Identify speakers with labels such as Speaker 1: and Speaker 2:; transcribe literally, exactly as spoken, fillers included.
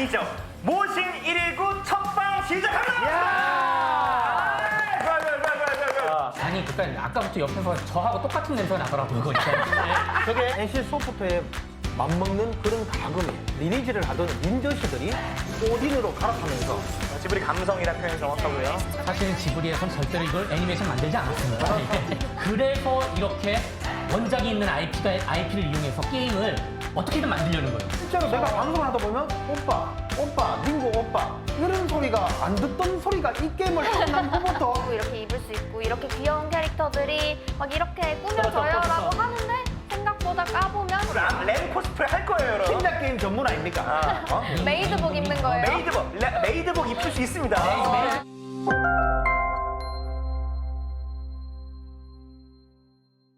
Speaker 1: 아니죠. 모신 일일구 첫방 시작합니다.
Speaker 2: 야!
Speaker 1: 좋아, 좋아, 좋아, 좋아, 좋아, 좋아.
Speaker 3: 아니 그러니까 아까부터 옆에서 저하고 똑같은 냄새가 나더라고요. 그거 있잖아요.
Speaker 2: 저게 엔씨 소프트에 맞먹는 그런 가금이에요. 리니지를 하던 닌저씨들이 오딘으로 갈아타면서
Speaker 1: 지브리 감성이라는 표현이 정확하고요.
Speaker 3: 사실은 지브리에선 절대로 이걸 애니메이션 만들지 않았습니다. 예. 그래서 이렇게 원작이 있는 아이피가, 아이피를 이용해서 게임을 어떻게든 만들려는 거예요.
Speaker 2: 실제로 내가 방송을 하다 보면 오빠, 오빠, 닝고 오빠 이런 소리가 안 듣던 소리가 이 게임을 끝난 후부터
Speaker 4: 이렇게 입을 수 있고 이렇게 귀여운 캐릭터들이 막 이렇게 꾸며져요라고 하는데 생각보다 까보면
Speaker 1: 람, 램 코스프레 할 거예요, 여러분.
Speaker 2: 신작 게임 전문 아닙니까?
Speaker 1: 아,
Speaker 2: 어?
Speaker 4: 메이드복 입는 거예요.
Speaker 1: 메이드복, 레, 메이드복 입힐 수 있습니다.
Speaker 3: 네, 네.